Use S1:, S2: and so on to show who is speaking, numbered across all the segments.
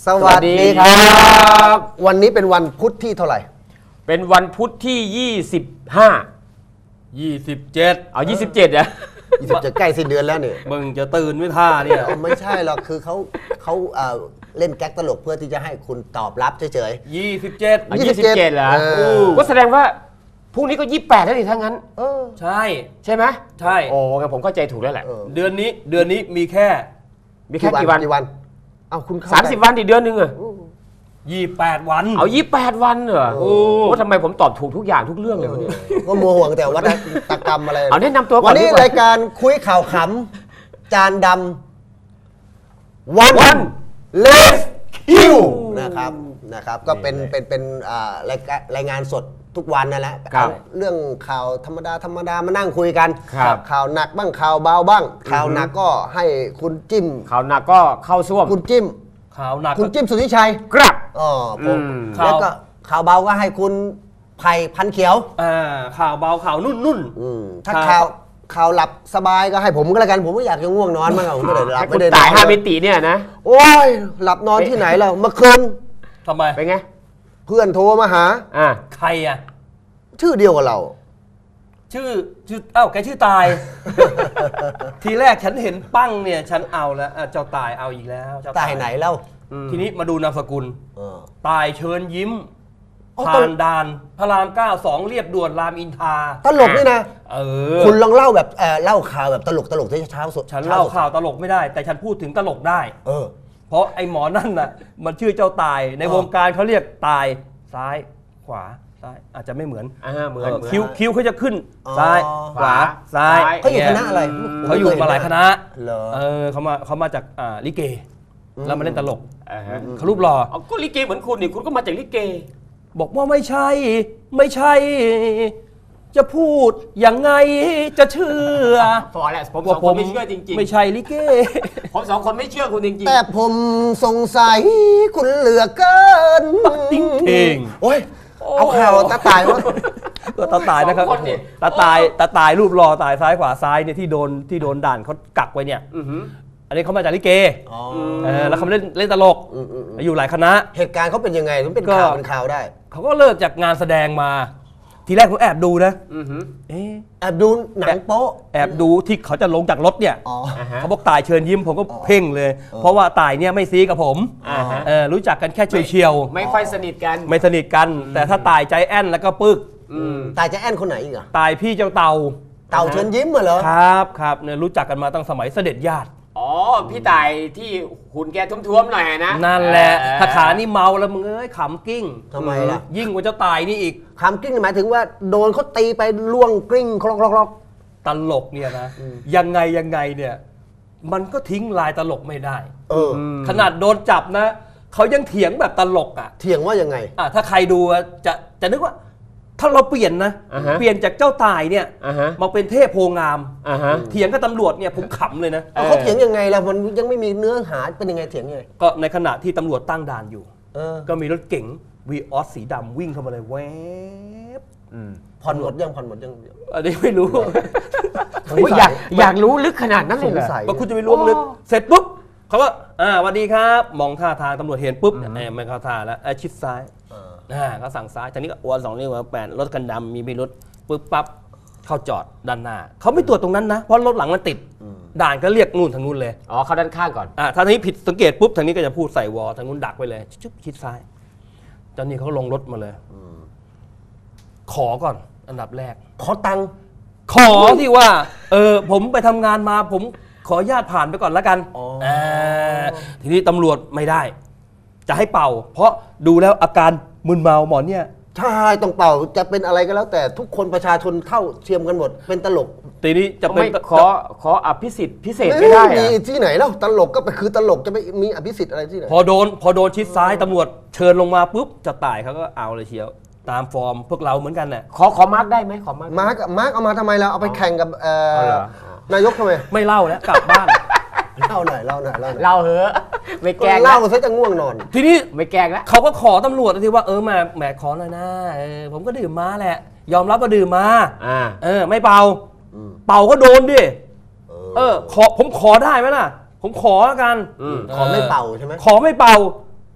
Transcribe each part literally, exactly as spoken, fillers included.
S1: สวัสดีครับวันนี้เป็นวันพุธที่เท่าไหร่
S2: เป็นวันพุธที่ยี่สิบห้า
S3: ยี่สิบเจ็ด
S2: เอายี่สิบเจ็ดอะ
S1: ยี่สิบเจ็ดใกล้สิ้นเดือนแล้วเนี่ย
S3: มึงจะตื่นไม่ท่าเนี่ย
S1: ไม่ใช่หรอกคือเขาเขาเล่นแก๊กตลกเพื่อที่จะให้คุณตอบรับเฉย
S3: ๆยี่สิบเจ็ด
S2: ยี่สิบเจ็ดเหรอก็แสดงว่าพรุ่งนี้ก็ยี่สิบแปดแล้วดิถ้างั้น
S1: เออ
S3: ใช่
S2: ใช่ไหม
S3: ใช่
S2: โอ้งั้นผมเข้าใจถูกแล้วแหละ
S3: เดือนนี้เดือนนี้มีแค่
S2: มีแค่กี่วัน
S1: กี่วันเอ้าคุณ
S2: สามสิบวันอีกเดือนนึงอะ
S3: ยี่สิบแปดวัน
S2: เอายี่สิบแปดวันเหรอโอ้ทำไมผมตอบถูกทุกอย่างทุกเรื่องเลยวะเนี่ย
S1: ก็มัวห่วงแต่วัฒกรรมอะไร
S2: เอาแนะนำตัวก่อน
S1: วันนี้รายการคุยข่าวขำจานดำวันเลสคิวนะครับนะครับก็เป็นเป็นเป็นรายรายงานสดทุกวันนั่นแหละเรื่องข่าวธรรมดาธรรมดามานั่งคุยกันข่าวหนักบ้างข่าวเบาบ้างข่าวหนักก็ให้คุณจิ้ม
S2: ข่าวหนักก็เข้าซ่วม
S1: คุณจิ้ม
S3: ข่าวหนัก
S1: คุณจิ้มสุทธิชัย
S2: ครับ
S1: อ๋อผมแล้วก็ข่าวเบาก็ให้คุณไผ่พันเขียว
S3: อ่าข่าวเบาข่าวนุ่นนุ่น
S1: ถ้าข่าวข่าวหลับสบายก็ให้ผมก็แล้วกันผมไม่อยากจะง่วงนอนมากผมไม่ได้หลับไม่ได้
S2: ตายห้ามิติเนี่ยนะ
S1: โอ้ยหลับนอนที่ไหนแล้วเมื่อคืน
S3: ทำไม
S2: เป็นไง
S1: เพื่อนโทรมาหา
S2: อ่า
S3: ใครอ่ะ
S1: ชื่อเดียวกับเรา
S3: ชื่อชื่อเอ้าแกชื่อตายทีแรกฉันเห็นปั้งเนี่ยฉันเอาแล้วเจ้าตายเอาอีกแล้ว
S1: ตายไหนแล้ว
S3: ทีนี้มาดูนามสกุลตายเชิญยิ้มผ่านด่านพระรามเก้าสองเรียบด่วนรามอินทรา
S1: ตลกนี่นะ
S3: เออ
S1: คุณลองเล่าแบบเล่าข่าวแบบตลกตลกที่เช้าสด
S3: ฉันเล่าข่าวตลกไม่ได้แต่ฉันพูดถึงตลกได้
S1: เออ
S3: เพราะไอ้หมอนั่นน่ะมันชื่อเจ้าตายในวงการเขาเรียกตายซ้ายขวาซ้ายอาจจะไม่เหมือน
S2: อ่าเหมือน
S3: คิ้วคิ้วเขาจะขึ้นซ้ายขวาซ้าย
S1: เขาอยู่คณะอะไร
S3: เขาอยู่มาหลายคณะเออเขามาเขามาจากอ่าลิเกแล้วมาเล่นตลกเขารูปหล่อ
S2: ก็ลิเกเหมือนคุณนี่คุณก็มาจากลิเก
S3: บอกว่าไม่ใช่ไม่ใช่จะพูดยังไงจะเชื่อ
S2: พอแล้วผมสองคนไม่เชื่อจริงๆ
S3: ไม่ใช่ลิเก
S2: ผมสองคนไม่เชื่อคุณจริงๆ
S1: แต่ผมสงสัยคุณเหลือเกิน
S3: ติ้งเอง
S1: โอ้ยเอาข่าวตาตายวะ
S3: ก็ตาตายนะครับตาตายตาตายรูปรอตายซ้ายขวาซ้ายเนี่ยที่โดนที่โดนด่านเขากักไว้เนี่ยอันนี้เขามาจากลิเกแล้วเขาเล่นเล่นตลกอยู่หลายคณะ
S1: เหตุการณ์เขาเป็นยังไงถึงเป็นข่าวเป็นข่าวได้
S3: เขาก็เลิกจากงานแสดงมาทีแรกผมแอบดูนะ
S1: แอบดูหนังโป๊ะ
S3: แอบดูที่เขาจะลงจากรถเนี่ยเขาบอกตายเชิญยิ้มผมก็เพ่งเลยเพราะว่าตายเนี่ยไม่ซีกับผมรู้จักกันแค่เฉียว
S2: ๆไม่ค่อยสนิทกัน
S3: ไม่สนิทกันแต่ถ้าตายใจแอนแล้วก็ปึก
S1: ตายใจแอนคนไหนอีกอะ
S3: ตายพี่เจ้าเต่า
S1: เต่าเชิญยิ้มเหรอ
S3: ครับครับเนี่ยรู้จักกันมาตั้งสมัยเสด็จญาติ
S2: อ๋อพี่ตายที่หุ่นแกท้วมๆหน่อยนะ
S3: นั่นแหละถ้าขานี่เมาแล้วมึงเอ้ยขำกิ้ง
S1: ทำไมล่ะ
S3: ยิ่งกว่าเจ้าตายนี่อีก
S1: ขำกิ้งหมายถึงว่าโดนเขาตีไปล่วงกลิ้งคลอก
S3: ๆตลกเนี่ยนะยังไงยังไงเนี่ยมันก็ทิ้งลายตลกไม่ได้
S1: เออ
S3: ขนาดโดนจับนะเขายังเถียงแบบตลกอ่ะ
S1: เถียงว่ายังไง
S3: อ่ะถ้าใครดูจะจะนึกว่าถ้าเราเปลี่ยนนะเปลี่ยนจากเจ้าตายเนี่ยมาเป็นเทพโพงามเถียงกับตำรวจเนี่ยผมขำเลยนะ
S1: เขาเถียงยังไงล่ะมันยังไม่มีเนื้อหาเป็นยังไงเถียงยังไง
S3: ก็ในขณะที่ตำรวจตั้งด่านอยู่ก็มีรถเก๋งวีออสสีดำวิ่งเข้ามาเลยแวบ
S1: ผ่อนหมดยังผ่อนหมดยัง
S3: อันนี้ไม่รู้
S2: อยากอยากรู้ลึกขนาดนั้นเลยเหรอ
S3: ว่าคุณจะไปล้วงลึกเสร็จปุ๊บเขาว่าอ่าสวัสดีครับมองท่าทางตำรวจเห็นปุ๊บเนี่ยไม่เข้าท่าแล้วชิดซ้ายอ่าก็สั่งซ้ายจากนี้ก็อ้วนสองนิ้วแปดรถกันดำมีพิรุธปุ๊บปั๊บเข้าจอดด้านหน้าเขาไม่ตรวจตรงนั้นนะเพราะรถหลังมันติดด่านก็เรียกนู่นทางนู้นเลย
S2: อ๋อเข้าด้านข้างก่อน
S3: อ่าทางนี้ผิดสังเกตปุ๊บทางนี้ก็จะพูดใส่วอทางนู้นดักไว้เลยชุบชิดซ้ายตอนนี้เขาลงรถมาเลยขอก่อนอันดับแรก
S1: ขอตังค์
S3: ขอที่ว่าเออผมไปทำงานมาผมขออนุญาตผ่านไปก่อนแล้วกันอ่าทีนี้ตำรวจไม่ได้จะให้เป่าเพราะดูแล้วอาการมึนเมาหมอเนี่ย
S1: ใช่ต้องเป่าจะเป็นอะไรก็แล้วแต่ทุกคนประชาชนเท่าเทียมกันหมดเป็นตลก
S3: ทีนี้จะเป็น
S2: ขอขออภิสิทธิ์พิเศษไม่ได้
S1: มีที่ไหนแล้วตลกก็ไปคือตลกจะไม่มีอภิสิทธิ์อะไรที่ไหน
S3: พอโดนพอโดนชิดซ้ายตำรวจเชิญลงมาปุ๊บจะตายเขาก็เอาเลยเชียวตามฟอร์มพวกเราเหมือนกันน่ะ
S2: ขอขอมาร์กได้ไหมขอมาร์ก
S1: มาร์กมาร์กเอามาทำไมเราเอาไปแข่งกับนายกทำไม
S3: ไม่เล่าแล้วกลับบ้าน
S1: เล่าหน่อยเล่าหน่อยเล่าหน่อย
S2: เล่าเหอะไม่แกง
S1: เล่าซะจะง่วงนอน
S3: ทีนี้
S2: ไม่แกงแล้ว
S3: เขาก็ขอตำรวจทีว่าเออมาแหมขอหน่อยนะผมก็ดื่มมาแหละยอมรับว่าดื่มมาเออไม่เป่าเป่าก็โดนดิเออขอผมขอได้ไหมล่ะผมขอแล้วกัน
S1: ขอไม่เป่าใช่ไหม
S3: ขอไม่เป่า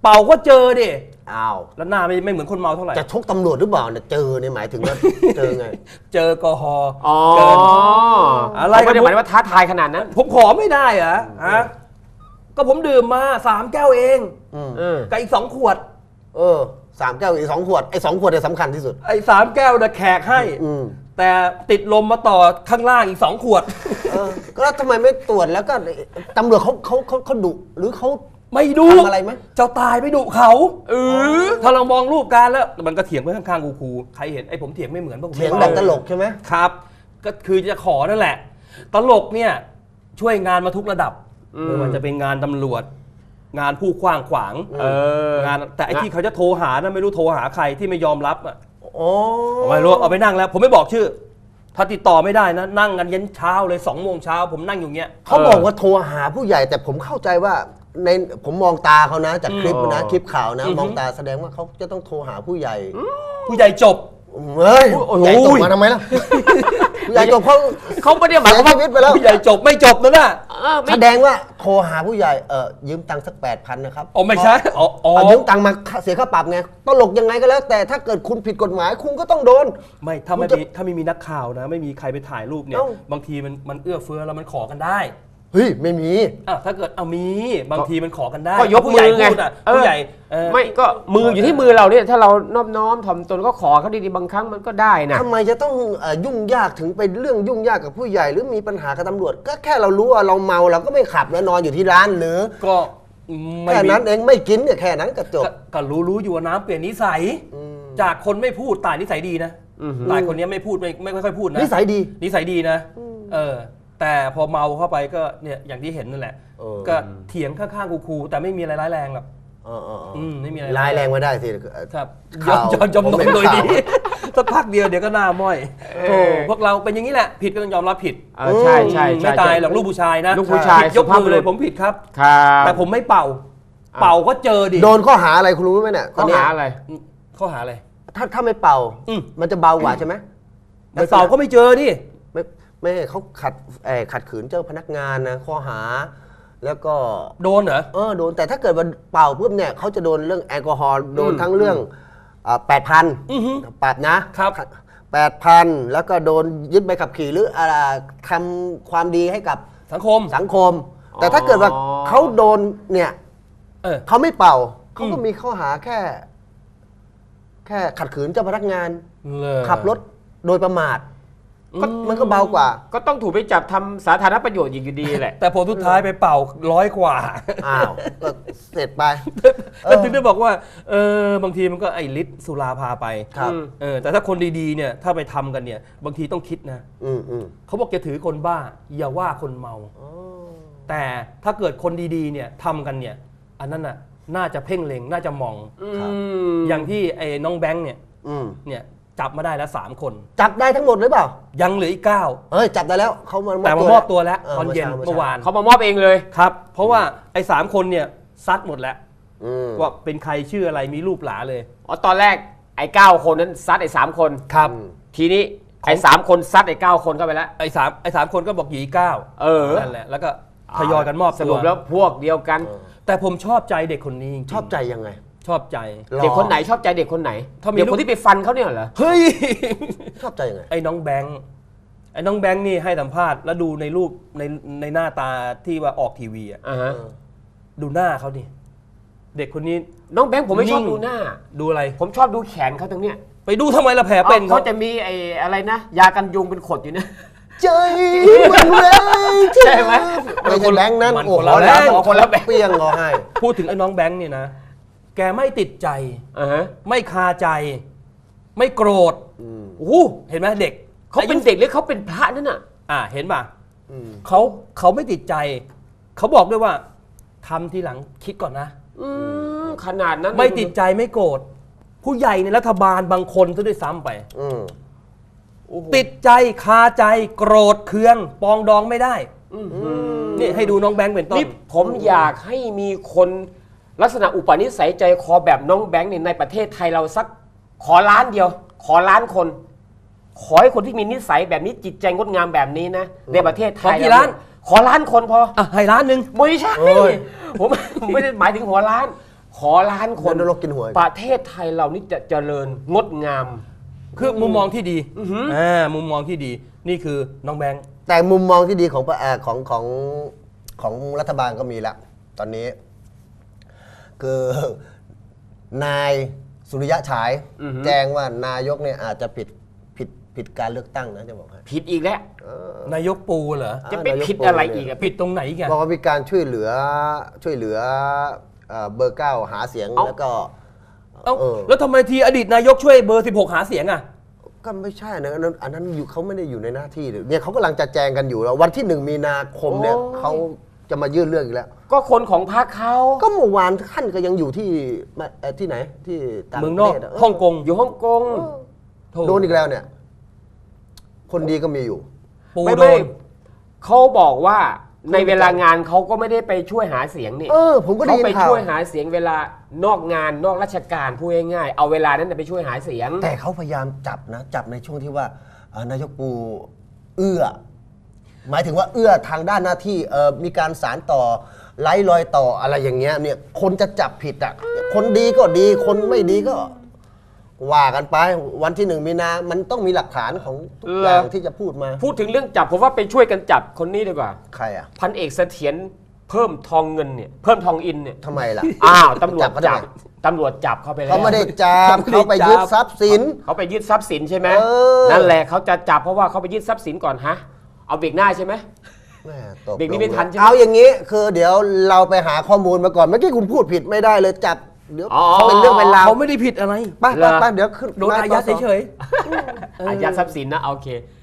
S3: เป่าก็เจอดิ
S1: อ้าว
S3: แล้วหน้าไม่ไม่เหมือนคนเมาเท่าไหร่
S1: จะชกตำรวจหรือเปล่าเนี่ยเจอเนี่ยหมายถึงว่า เจอไง
S3: เจอแอลกอฮอล์
S2: อ๋อ
S3: เกิน อะไร
S2: เขาไม่ได้หมายว่าท้าทายขนาดนั้น
S3: ผมขอไม่ได้เหรอฮะก็ผมดื่มมาสามแก้วเอง
S1: อืม
S2: เออ
S3: กับอีกสองขวด
S1: เออสามแก้วอีกสองขวดไอ้สองขวดเนี่ยสำคัญที่สุด
S3: ไอ้สามแก้วนะแขกให้
S1: อืม
S3: แต่ติดลมมาต่อข้างล่างอีกสองขวด
S1: เออก็แล้วทำไมไม่ตรวจแล้วก็ตำรวจเขาเขาเขาเขาดุหรือเขา
S3: ไม่ดู
S1: ทำอะไรไหม
S3: เจ้าตายไม่ดุเขาเออถ้าเรามองรูปการแล้วมันก็เถียงไปข้างๆกูๆใครเห็นไอ้ผมเถียงไม่เหมือนพวกผม
S1: เถียงแบบตลกใช่ไหม
S3: ครับ ก็คือจะขอนั่นแหละ ตลกเนี่ยช่วยงานมาทุกระดับไม่ว่าจะเป็นงานตำรวจ งานผู้ขว้างขวาง
S2: เออ
S3: งานแต่ไอ้ที่เขาจะโทรหานะไม่รู้โทรหาใครที่ไม่ยอมรับอ่ะ
S1: โอ้
S3: ไม่รู้เอาไปนั่งแล้ว ผมไม่บอกชื่อ ถ้าติดต่อไม่ได้นะนั่งกันยันเช้าเลยสองโมงเช้าผมนั่งอยู่เงี้ย
S1: เขาบอกว่าโทรหาผู้ใหญ่แต่ผมเข้าใจว่าในผมมองตาเขานะจากคลิปนะคลิปข่าวนะ
S3: อือฮึ
S1: มองตาแสดงว่าเขาจะต้องโทรหาผู้ใหญ่
S3: ผู้ใหญ่จบ
S1: เฮ้ย
S2: โอ้โห
S1: ใหญ่ตกมาทำไมล่ะผู้ใหญ่ตกเขา
S2: เขาไม่ได้หมาย
S1: เสี
S2: ความ
S1: ย
S2: ว่า
S1: ชีวิตไปแล้ว
S3: ผู้ใหญ่จบไม่จบนะน่ะ
S2: เออไม่
S1: แสดงว่าโทรหาผู้ใหญ่เออยืมตังค์สักแปดพันนะครับ
S3: อ๋อไม่ใช่อ๋ออ๋อ
S1: เอายืมตังค์มาเสียค่าปรับไงตลกยังไงก็แล้ว แต่ถ้าเกิดคุณผิดกฎหมายคุณก็ต้องโดน
S3: ไม่ถ้าไม่
S1: คุณจะ
S3: มีถ้าไม่มีนักข่าวนะ ไม่มีใครไปถ่ายรูปเนี่ย
S1: เอ้า
S3: บางทีมันมันเอื้อเฟื้อแล้วมันขอกันได้
S1: เฮ้ยไม่มี
S3: อ่ะถ้าเกิดเอามีบางทีมันขอกันได้
S2: ก็ยก
S3: ผู้
S2: มื
S3: ใหญ่
S2: อไง
S3: พูดอ่ะ
S2: เออ
S3: ผู้ใหญ่เออ
S2: ไม่ก็มืออยู่ที่มือเราเนี่ยถ้าเรานอบน้อมถ่อมตนก็ขอเขาดีๆบางครั้งมันก็ได้นะ
S1: ทำไมจะต้องเอ่อยุ่งยากถึงไปเรื่องยุ่งยากกับผู้ใหญ่หรือมีปัญหากับตำรวจ ก็แค่เรารู้ว่าเราเมาเราก็ไม่ขับแล้วนอนอยู่ที่ร้านหรือ
S3: ก็ไม่
S1: แค่
S3: มี
S1: นั้นเองไม่กินเนี่ยแค่นั้นก็จบ
S3: ก็ก็รู้รู้อยู่ว่าน้ำเปลี่ยนนิสัย
S1: อืม
S3: จากคนไม่พูดตายนิสัยดีนะ
S2: อือหือ
S3: ตายคนเนี้ยไม่พูดไม่ไม่ไม่ค่อยพูดนะ
S1: นิสัยดี
S3: นิสัยดีนะเออแต่พอเมาเข้าไปก็เนี่ยอย่างที่เห็นนั่นแหละ
S1: เออ
S3: ก็เถียงข้างๆคูๆแต่ไม่มีอะไรร้ายแรงหรอก
S1: เออเออเออ
S3: อืมไม่มีอะไร
S1: ร้ายแรงไม่ได้สิ
S3: ครับย
S1: ข่า
S3: อ
S1: ว
S3: มยอมยอม
S1: ผม
S3: น
S1: เห็
S3: ม
S1: น
S3: โดย
S1: ข่าว
S3: ดีสักพักเดียวเดี๋ยวก็หน้าม้อยโอ้พวกเราเป็นอย่างนี้แหละ ผิดก็ต้องยอมรับผิด
S2: เออใช่ใช่
S3: ไม่
S2: ใช่
S3: ตายหรอกลูกผู้ชายนะ
S2: ลูกผู้ชาย
S3: ผิดยก
S2: สุภาพ
S3: มือเลย
S2: บุรุษ
S3: ผมผิดครับ
S2: ครับ
S3: แต่ผมไม่เป่า
S2: อ่ะ
S3: เป่าก็เจอดิ
S1: โดนข้อหาอะไรคุณรู้ไหมเนี่ยต
S2: ข้
S1: อ
S2: อน
S1: เนี้ย
S2: หาอะไร
S3: ข้อหาอะไร
S1: ถ้าถ้าไม่เป่า
S3: อืม
S1: มันจะเบากว่าใช่ไหม
S3: ไม่เป่าก็ไม่เจอดิ
S1: ไม่ไม่เขาขัดเอ่อขัดขืนเจ้าพนักงานนะข้อหา แล้วก็
S3: โดนเหรอ
S1: เออโดนแต่ถ้าเกิดว่าเป่าปุ๊บเนี่ยเขาจะโดนเรื่องแอลกอฮอล์โดน
S2: อืม
S1: ทั้งเรื่องแปดพัน
S3: อือฮึ
S1: ปรับนะครับ แปดพันแล้วก็โดนยึดใบขับขี่หรืออะไรทำความดีให้กับ
S3: สังคม
S1: สังคม แต่ถ้าเกิดว่าเขาโดนเนี่ย
S3: เออ
S1: เขาไม่เป่าเขาก็
S3: อืม
S1: มีข้อหาแค่ แค่ขัดขืนเจ้าพนักงาน
S3: เลย
S1: ขับรถโดยประมาท
S3: ก็
S1: มันก็เบากว่า
S2: ก็ต้องถูกไปจับทำสาธารณประโยชน์อีกอยู่ดีแหละ
S3: แต่ผลสุดท้ายไปเป่าร้อยกว่า
S1: อ้าวก็เสร็จไป
S3: ก็ถึงได้บอกว่าเออบางทีมันก็ไอ้ฤทธิ์สุราพาไป
S1: ครับ
S3: เออแต่ถ้าคนดีๆเนี่ยถ้าไปทำกันเนี่ย บางทีต้องคิดนะ
S1: อืมอืม
S3: เขาบอกจะถือคนบ้า อย่าว่าคนเมา
S1: อ๋อ
S3: แต่ถ้าเกิดคนดีๆเนี่ยทำกันเนี่ย อันนั้นน่ะน่าจะเพ่งเล็งน่าจะมอง
S1: ครับ
S3: อย่างที่ไอ้น้องแบงค์เนี่ย
S1: อืม
S3: เนี่ยจับมาได้แล้วสามคน
S1: จับได้ทั้งหมดหรือเปล่า
S3: ยังเหลืออีกเก้า
S1: เฮ้ยจับได้แล้วเขามามอบ
S3: แต่มามอบตัวแล้วตอนเย็น
S1: ช้
S3: เมื่อวาน
S2: เขามามอบเองเลย
S3: ครับ เพราะว่าไอ้สามคนเนี่ยซัดหมดแล้ว
S1: อืม
S3: ว่าเป็นใครชื่ออะไรมีรูปหลาเลย
S2: อ๋อตอนแรกไอ้เก้าคนนั้นซัดไอ้สามคน
S3: ครับ
S2: ทีนี้ไอ้สามคนซัดไอ้เก้าคนเข้าไปแล้ว
S3: ไอ้สามไอ้สามคนก็บอกหยีเก้า
S2: เออ
S3: นั่นแหละแล้วก็ทยอยกันมอบ
S2: ส
S3: ตั
S2: รุ
S3: ว
S2: ปแล้วพวกเดียวกัน
S3: แต่ผมชอบใจเด็กคนนี้จริงๆ
S1: ชอบใจยังไง
S3: ชอบใจ
S1: รอ
S2: เด็กคนไหนชอบใจเด็กคนไหน
S3: ถ้ามี
S2: เด็ก
S3: ลู
S2: ค
S3: ก
S2: นที่ไปฟันเขาเนี่ยเหรอ
S3: เฮ้ย
S1: ชอบใจยังไง
S3: ไอ้น้องแบงค์ไอ้น้องแบงค์นี่ให้สัมภาษณ์แล้วดูในรูปในในหน้าตาที่ว่าออกทีวีอ่ะ
S2: อ่าฮะ
S3: ดูหน้าเขาดิเด็กคนนี้
S2: น้องแบงค์ผมไม่ชอบ
S3: นิ่ง
S2: ดูหน้า
S3: ดูอะไร
S2: ผมชอบดูแขนเขาตรงเนี้ย
S3: ไปดูทำไมละแผลเป็น
S2: เขา
S3: เขา
S2: จะมีไอ้อะไรนะ ยากันยุงเป็นขดอยู่นะ
S1: ใจมันแรง
S2: ใช่ไหม
S1: ไม่ใช่แบงค์นั้น
S3: มัน
S1: โอ้
S3: คน
S1: โห
S3: ละแบงค์
S1: แล้วคนละเปี้ยงก็ให้
S3: พูดถึงไอ้น้องแบงค์เนี่ยนะ แกไม่ติดใจ
S2: อ่าฮะ
S3: ไม่คาใจ ไม่โกรธ
S1: อืม
S3: โอ้โหเห็นไหมเด็ก
S2: เขาเป็นเด็กหรือเขาเป็นพระนั่นน่ะ
S3: อ่าเห็นป่ะ
S1: อืม
S3: เขาเขาไม่ติดใจ เขาบอกด้วยว่าทำทีหลังคิดก่อนนะ
S2: อืมขนาดนั้น
S3: ไม่ติดใจไม่โกรธผู้ใหญ่ในรัฐบาลบางคนซะด้วยซ้ำไป
S1: อืม
S2: โอ้โห
S3: ติดใจคาใจโกรธเคืองปองดองไม่ได้
S2: อื้อหือ
S3: นี่ให้ดูน้องแบงค์เป็นต้น
S2: นี่ผมอยากให้มีคนลักษณะอุปนิสัยใจคอแบบน้องแบงค์เนี่ยในประเทศไทยเราสักขอล้านเดียว ขอล้านคน ขอให้คนที่มีนิสัยแบบนี้จิตใจงดงามแบบนี้นะในประเทศไทย
S3: ขอกี่ล้าน
S2: ขอล้านคนพอ
S3: อ่ะให้ล้านหนึ่ง
S2: ไม่ใช่
S1: โอ้ย
S2: ผมผมไม่ได้หมายถึงหัวล้านขอล้านคน
S1: เดินนรกกินหัว
S2: ประเทศไทยเรานี่จะเจริญงดงาม
S3: คือมุมมองที่ดี
S2: อือหือ
S3: อ่ามุมมองที่ดีนี่คือน้องแบงค์
S1: แต่มุมมองที่ดีของเอ่อของของของรัฐบาลก็มีแล้วตอนนี้ คือนายสุริยะฉาย
S2: อือหือ
S1: แจ้งว่านายกเนี่ยอาจจะผิดผิดผิดการเลือกตั้งนะจะบอกให้
S2: ผิดอีกแล้ว
S3: นายกปูเหรอ
S2: จะไปผิดอะไรอีกอะ
S3: ผิดตรงไหนอีกัน
S1: บอกว่ามีการช่วยเหลือช่วยเหลือเอ่อเบอร์เก้าหาเสียง
S2: เอ้า
S1: แล้วก็
S3: เอ้า
S1: เออ
S3: แล้วทำไมทีอดีตนายกช่วยเบอร์สิบหกหาเสียงอ่ะ
S1: ก็ไม่ใช่นะอันนั้นอันนั้นอยู่เขาไม่ได้อยู่ในหน้าที่เลยเนี่ยเขากำลังจะแจงกันอยู่แล้ววันที่หนึ่งมีนาคมเนี่ย
S2: โอ้ย
S1: เขาจะมายื่นเรื่องอีกแล้ว
S2: ก็คนของพรรคเขา
S1: ก็เมื่อวานท่านก็ยังอยู่ที่มาเอ่อที่ไหนที่ต่าง
S3: เมือง
S1: ป
S3: น
S1: ระ
S3: อก
S1: เทศะ
S3: ฮ่องกง
S2: อยู่ฮ่องกง
S3: โถ่
S1: โดนอีกแล้วเนี่ย คนดีก็มีอยู่
S3: ปู
S2: ไม่
S3: โด
S2: ไม่
S3: น
S2: เขาบอกว่าในเวลางานเขาก็ไม่ได้ไปช่วยหาเสียงนี่
S1: เออ ผมก็ได้
S2: เขา
S1: ยิน
S2: ไป
S1: ข่าว
S2: ช่วยหาเสียงเวลานอกงานนอกราชการพูดง่ายๆเอาเวลานั้นนะไปช่วยหาเสียง
S1: แต่เขาพยายามจับนะ จับในช่วงที่ว่าเอ่อนายกปูเอื้อ หมายถึงว่าเอื้อทางด้านหน้าที่เอ่อมีการสารต่อไล่รอยต่ออะไรอย่างเงี้ยเนี่ยคนจะจับผิดอ่ะคนดีก็ดีคนไม่ดีก็ ว่ากันไปวันที่หนึ่งมีนา มันต้องมีหลักฐานของทุกอย่างที่จะพูดมา
S2: พูดถึงเรื่องจับผมว่าไปช่วยกันจับคนนี้ดีกว่า
S1: ใครอ่ะ
S2: พันเอกเสถียรเพิ่มทองเงินเนี่ยเพิ่มทองอินเนี่ย
S1: ทำไมล่ะ
S2: อ้าวตำรวจ
S1: เขา
S2: จับ
S1: ทำไม
S2: ตำรวจจับเขาไปแล้ว
S1: เขาไม่ได้จับ
S3: เขาไม่ได้จับ
S1: เขาไปยึดทรัพย์สิน
S2: เขาไปยึดทรัพย์สินใช่ไหม
S1: เออ
S2: นั่นแหละเขาจะจับเพราะว่าเขาไปยึดทรัพย์สินก่อนฮะเอาเบรกหน้าใช่ไหม
S1: แม่ตก
S2: เด็กนี่ไม่ทันใช่ไหม
S1: เอาอย่างนี้คือเดี๋ยวเราไปหาข้อมูลมาก่อนเมื่อกี้คุณพูดผิดไม่ได้เลยจับเดี๋ยว
S2: อ๋อ
S1: เป็นเรื่องเป็นราว
S3: เขาไม่ได้ผิดอะไร
S1: ไปไปไปเดี๋ยวขึ้น
S3: โดนอายัดเฉย
S2: อายัดทรัพย์สินนะโอเค